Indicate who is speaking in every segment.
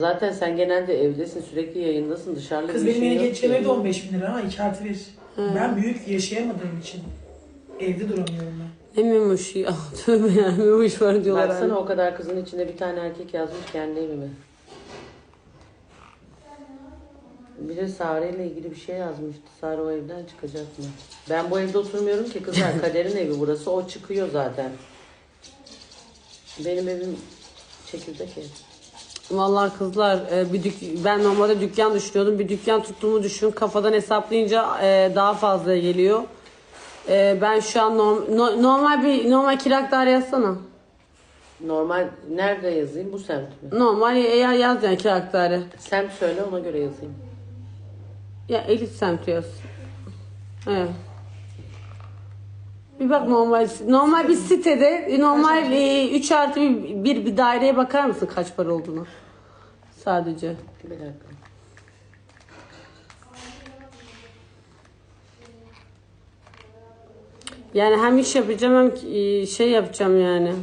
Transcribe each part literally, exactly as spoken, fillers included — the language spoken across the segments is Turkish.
Speaker 1: Zaten sen genelde evdesin, sürekli yayındasın, dışarıda
Speaker 2: Kız
Speaker 1: bir
Speaker 2: benim
Speaker 1: şey
Speaker 2: yeni
Speaker 1: yok
Speaker 2: geçeceğim
Speaker 1: ki.
Speaker 2: evde on beş bin lira ama iki artı bir. Ben büyük yaşayamadığım için evde duramıyorum ben.
Speaker 3: Ne memuş ya. Tövbe ya, memuş var diyorlar.
Speaker 1: Baksana
Speaker 3: hani.
Speaker 1: o kadar kızın içinde bir tane erkek yazmış kendi evime. Bir de Sare ile ilgili bir şey yazmıştı. Sare o evden çıkacak mı? Ben bu evde oturmuyorum ki kızlar. Kader'in evi burası. O çıkıyor zaten. Benim evim çekirdek ev.
Speaker 3: Vallahi kızlar e, bir dük ben normalde dükkan düşünüyordum. Bir dükkan tuttuğumu düşün. Kafadan hesaplayınca e, daha fazla geliyor. E, ben şu an norm, no- normal bir normal kirak daire yazsana.
Speaker 1: Normal nerede yazayım? Bu semt mi?
Speaker 3: Normal eğer yaz yani kirak daire.
Speaker 1: Semt söyle ona göre yazayım.
Speaker 3: Ya elit semti yaz. Evet. Bir bak normal normal bir sitede normal üç artı bir, bir bir daireye bakar mısın kaç para olduğunu? Sadece.
Speaker 1: Bir dakika.
Speaker 3: Yani hem iş yapacağım hem e, şey yapacağım yani.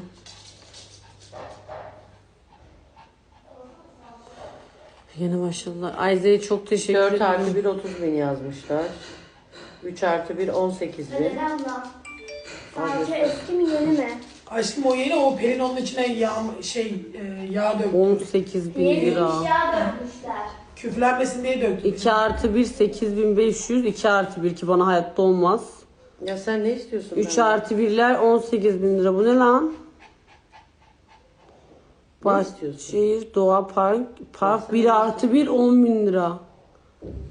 Speaker 3: Yeni başladılar. Ayza'ya çok teşekkür
Speaker 1: dört
Speaker 3: ederim.
Speaker 1: artı bir otuz bin yazmışlar. üç artı bir on sekiz bin.
Speaker 4: Neden abla? Sadece eski mi yeni mi?
Speaker 2: Aşkım o yeni o Pelin onun içine yağ, şey e, yağ döktü.
Speaker 3: on sekiz bin
Speaker 4: Yeni
Speaker 3: lira.
Speaker 4: eşya dökmüşler.
Speaker 2: Küflenmesin diye döktü.
Speaker 3: iki artı bir sekiz bin beş yüz. iki artı bir ki bana hayatta olmaz.
Speaker 1: Ya sen ne istiyorsun?
Speaker 3: üç
Speaker 1: benden?
Speaker 3: artı birler on sekiz bin lira. Bu ne lan?
Speaker 1: Ne istiyorsun?
Speaker 3: Bahçeşehir Doğa Park. Park bir artı bir on bin lira.